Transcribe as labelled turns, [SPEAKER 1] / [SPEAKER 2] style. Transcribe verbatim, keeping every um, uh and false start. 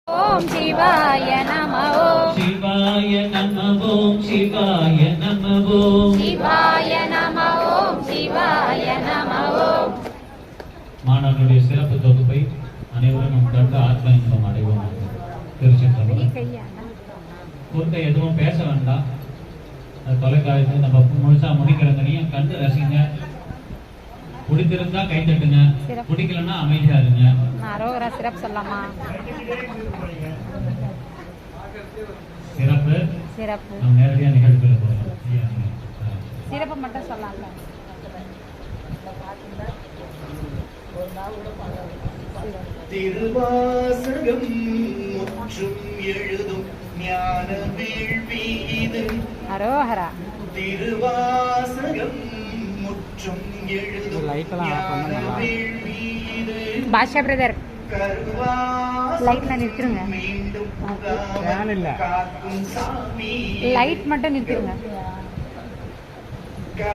[SPEAKER 1] ஓம் சிவாய நம ஓம்
[SPEAKER 2] சிவாய நம ஓம் சிவாய நம ஓம்
[SPEAKER 1] சிவாய நம ஓம் சிவாய நம ஓம்.
[SPEAKER 2] மாணவர்களுடைய சிறப்பு தொகுப்பை அனைவரும் நம் கண்டு ஆத்ம இன்பம் அடைவோம். திருச்சிற்றம்பலம். குறுக்க எதுவும் பேச வேண்டாம். தொலைக்காட்சி நம்ம முழுசா முடிக்கிறங்கனையும் கண்டு ரசிங்க. பிடித்திருந்தா கை தட்டுங்க, பிடிக்கலன்னா அமைதியா இருங்க.
[SPEAKER 1] அரோகரா சிறப்பு சொல்லலாமா?
[SPEAKER 2] சிறப்பு
[SPEAKER 1] சிறப்பு
[SPEAKER 2] நம்ம நேரடியா நிகழ்ச்சிக்குள்ள போகலாம்.
[SPEAKER 1] சிறப்பு மட்டும் சொல்லலாம்ல.
[SPEAKER 3] திருவாசகம் முற்றும் எழுதும் ஞான வேள்வி இது.
[SPEAKER 1] அரோகரா.
[SPEAKER 3] திருவாசகம் முற்றும் எழுதும் ஞான வேள்வி இது.
[SPEAKER 1] பாஷா பிரதர் லைட்ல நிறுத்துருங்க.
[SPEAKER 3] மீண்டும் காக்கும் சாமி
[SPEAKER 1] லைட் மட்டும் நிறுத்துருங்க.